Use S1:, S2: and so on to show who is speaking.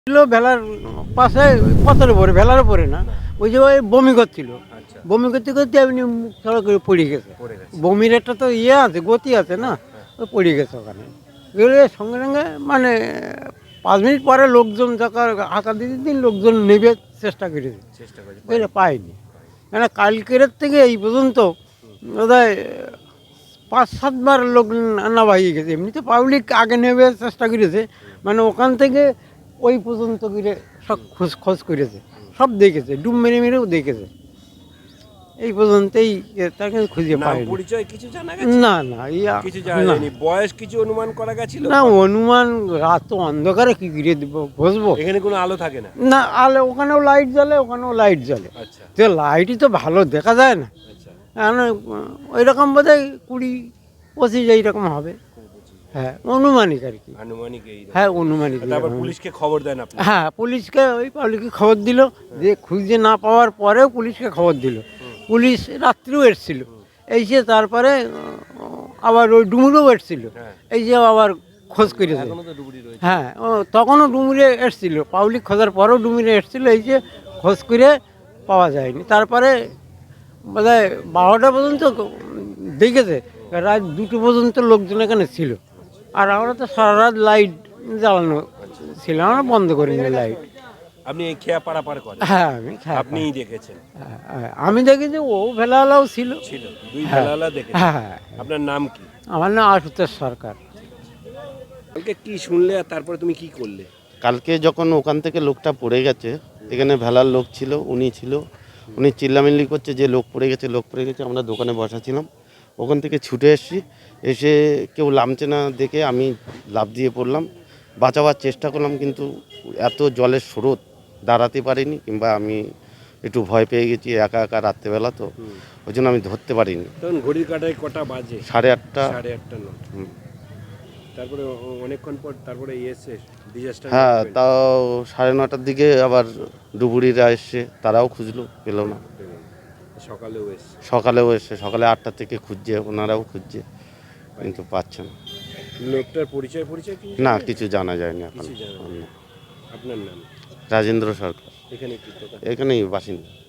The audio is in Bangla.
S1: ছিল ভেলার পাশে পথের উপরে, ভেলার উপরে না, ওই যে ওই বমি করছিল।
S2: আচ্ছা,
S1: বমি করতে করতে এমনি মুখ ছাড়া করে পড়ে গেছে।
S2: পড়ে গেছে।
S1: বমির একটা তো ইয়ে আছে, গতি আছে না, ও পড়ে গেছে ওখানে। গেলে সঙ্গে সঙ্গে মানে 5 মিনিট পরে লোকজন যখন হাঁকা দিতে দিন লোকজন নেবে চেষ্টা করেছে,
S2: চেষ্টা করেছি।
S1: বুঝলে পায়নি। কেন কালকের থেকে এই পর্যন্ত বোধহয় 5-7 বার লোক নামা হয়ে গেছে। এমনিতে পাবলিক আগে নেবে চেষ্টা করেছে, মানে ওখান থেকে ওই পর্যন্ত গিয়ে সব খোঁজ করেছে, সব দেখেছে, ডুব মেরে মেরেও দেখেছে। এই পর্যন্তই তাকে খুঁজে
S2: নাম
S1: পায়নি।
S2: পরিচয় কিছু জানা গেছে?
S1: না না ইয়া
S2: কিছু জানা
S1: না
S2: যায়নি। বয়স কিছু অনুমান করা গেছিল?
S1: না, অনুমান রাত তো অন্ধকারে কি ঘিরে দিব বসবো
S2: এখানে কোনো আলো থাকে না।
S1: না, আলে ওখানেও লাইট জ্বলে, ওখানেও লাইট জ্বলে,
S2: আচ্ছা,
S1: তো লাইটই তো ভালো দেখা যায় না।
S2: আচ্ছা।
S1: ওই রকম বোধ হয় 20-25 এইরকম হবে। হ্যাঁ অনুমানিক আর কি।
S2: আনুমানিক এই।
S1: হ্যাঁ অনুমানিক
S2: তারপর
S1: এরকম।
S2: পুলিশকে খবর দেন আপনি?
S1: হ্যাঁ পুলিশকে ওই পাবলিককে খবর দিল, যে খুঁজে না পাওয়ার পরেও পুলিশকে খবর দিল। পুলিশ রাত্রিও এসেছিল, এসে তারপরে আবার ওই ডুমুরেও এসেছিল,
S2: হ্যাঁ।
S1: এই যে আবার খোঁজ করেছে।
S2: এখনো তো ডুবুরি রয়েছে।
S1: হ্যাঁ তখনও ডুমুরে এসেছিল, পাবলিক খোঁজার পরেও ডুমুরে এসেছিল, এই যে খোঁজ করে পাওয়া যায়নি। তারপরে বোধহয় 12টা পর্যন্ত দেখেছে, রাত 2টো পর্যন্ত লোকজন এখানে ছিল। আর আমরা তো সারা রাত লাইট জ্বালানো ছিল, আমরা বন্ধ করিনি লাইট।
S2: আপনি এই খেয়া পারাপার করেন?
S1: হ্যাঁ আমি
S2: আপনিই দেখেছেন?
S1: আমি দেখেছি ও ভেলাওয়ালাও ছিল।
S2: ছিল, দুই
S1: হ্যাঁ।
S2: বেলালা দেখেছেন।
S1: হ্যাঁ
S2: আপনার নাম কি?
S1: আমার নাম আশুতোষ সরকার।
S2: কালকে কি শুনলে আর তারপরে তুমি কি করলে?
S3: কালকে যখন ওখান থেকে লোকটা পড়ে গেছে, এখানে ভেলার লোক ছিল, উনি চিল্লামিল্লি করছে যে লোক পড়ে গেছে। আমরা দোকানে বসা ছিলাম, ওখান থেকে ছুটে এসেছি, এসে কেউ নামছে না দেখে আমি লাফ দিয়ে পড়লাম, বাঁচাবার চেষ্টা করলাম, কিন্তু এত জলের স্রোত দাঁড়াতে পারিনি, কিংবা আমি একটু ভয় পেয়ে গেছি, একা একা রাত্রেবেলা তো, ওই জন্য আমি ধরতে পারিনি।
S2: তখন ঘড়ির কাঁটায় কটা বাজে?
S3: 8:30।
S2: 8:30 নয়। তারপরে অনেকক্ষণ পর তারপরে এসে ডিজাস্টার।
S3: হ্যাঁ, তাও 9:30টার দিকে আবার ডুবুরিরা এসছে, তারাও খুঁজলো, পেলো না।
S2: সকালেও এসে।
S3: সকালে 8টা থেকে খুঁজছে, ওনারাও খুঁজছে, কিন্তু পাচ্ছে না।
S2: লোকটার পরিচয় কি?
S3: না, কিছু জানা যায়নি এখন।
S2: কিছু জানা যায়নি। আপনার নাম?
S3: রাজেন্দ্র সরকার,
S2: এখানে কি কথা?
S3: এখানেই বাসিন্দা।